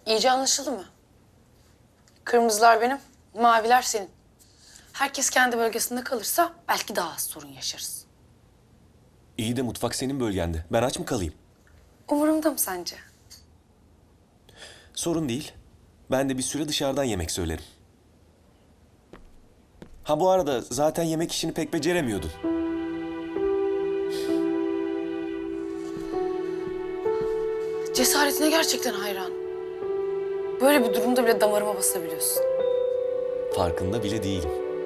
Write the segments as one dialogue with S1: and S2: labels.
S1: İyice anlaşıldı mı? Kırmızılar benim, maviler senin. Herkes kendi bölgesinde kalırsa belki daha az sorun yaşarız.
S2: İyi de mutfak senin bölgende. Ben aç mı kalayım?
S1: Umurumda mı sence?
S2: Sorun değil. Ben de bir süre dışarıdan yemek söylerim. Ha bu arada zaten yemek işini pek beceremiyordun.
S1: Cesaretine gerçekten hayran. Böyle bir durumda bile damarıma basabiliyorsun.
S2: Farkında bile değilim.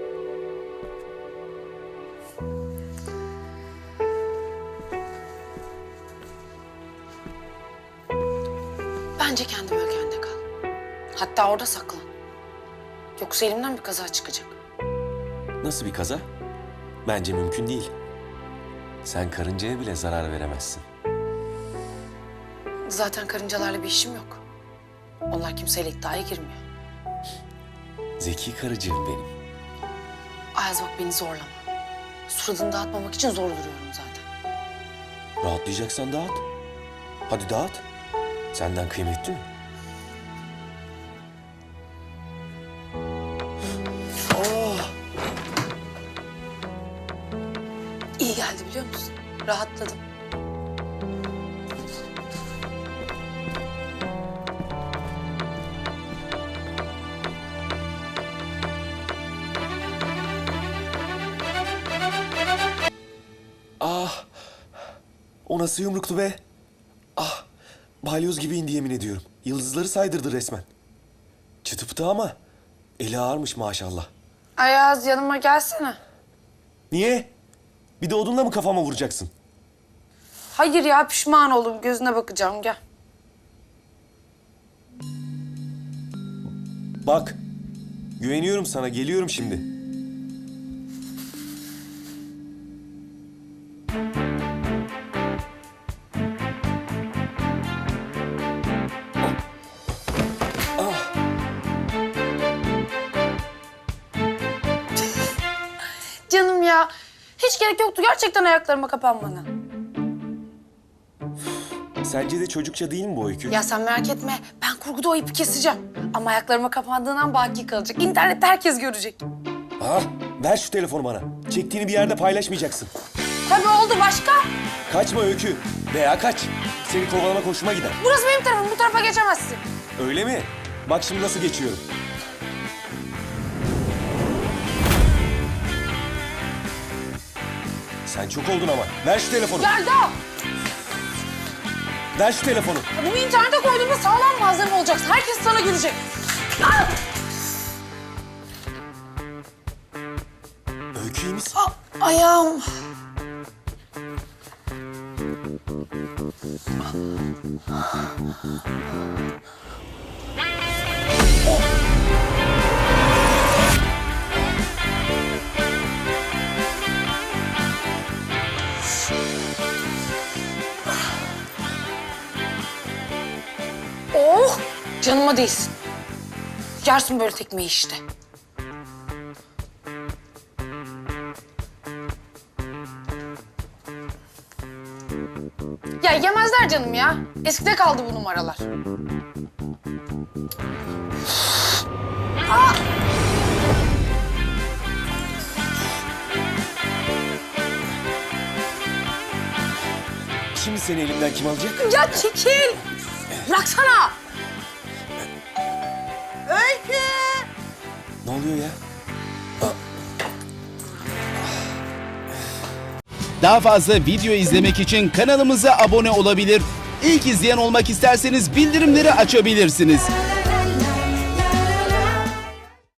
S1: Bence kendi bölgende kal. Hatta orada saklan. Yoksa elimden bir kaza çıkacak.
S2: Nasıl bir kaza? Bence mümkün değil. Sen karıncaya bile zarar veremezsin.
S1: Zaten karıncalarla bir işim yok. Onlar kimseyle iddiaya girmiyor.
S2: Zeki karıcığım benim.
S1: Ayaz bak beni zorlama. Suratını dağıtmamak için zor duruyorum zaten.
S2: Rahatlayacaksan dağıt. Hadi dağıt. Senden kıymetli mi? Oh!
S1: İyi geldi biliyor musun? Rahatladım.
S2: Ah! O nasıl yumruktu be? Ah! Balyoz gibi indi yemin ediyorum. Yıldızları saydırdı resmen. Çıtı pıtı ama eli ağırmış maşallah.
S1: Ayaz yanıma gelsene.
S2: Niye? Bir de odunla mı kafama vuracaksın?
S1: Hayır ya pişman oldum. Gözüne bakacağım gel.
S2: Bak, güveniyorum sana, geliyorum şimdi.
S1: Canım ya. Hiç gerek yoktu gerçekten ayaklarıma kapanmana.
S2: Sence de çocukça değil mi bu öykü?
S1: Ya sen merak etme. Ben kurguda o ipi keseceğim. Ama ayaklarıma kapandığından baki kalacak. İnternette herkes görecek.
S2: Ah, ver şu telefonu bana. Çektiğini bir yerde paylaşmayacaksın.
S1: Tabii oldu başka.
S2: Kaçma öykü. Veya kaç. Seni kovalamak hoşuma gider.
S1: Burası benim tarafım. Bu tarafa geçemezsin.
S2: Öyle mi? Bak şimdi nasıl geçiyorum. Sen çok oldun ama. Ver şu telefonu.
S1: Yelda!
S2: Ver şu telefonu.
S1: Bunu internete koyduğumda sağlam malzeme olacaksın. Herkes sana gülecek. Ah!
S2: Öykü iyi misin?
S1: Ayağım. Oh! Canıma değsin. Yersin böyle tekmeyi işte. Ya yemezler canım ya. Eskide kaldı bu numaralar. Aa!
S2: Şimdi seni elimden kim alacak?
S1: Ya çekil! Bıraksana!
S3: Öykü!
S2: Ne oluyor ya?
S4: Daha fazla video izlemek için kanalımıza abone olabilir. İlk izleyen olmak isterseniz bildirimleri açabilirsiniz.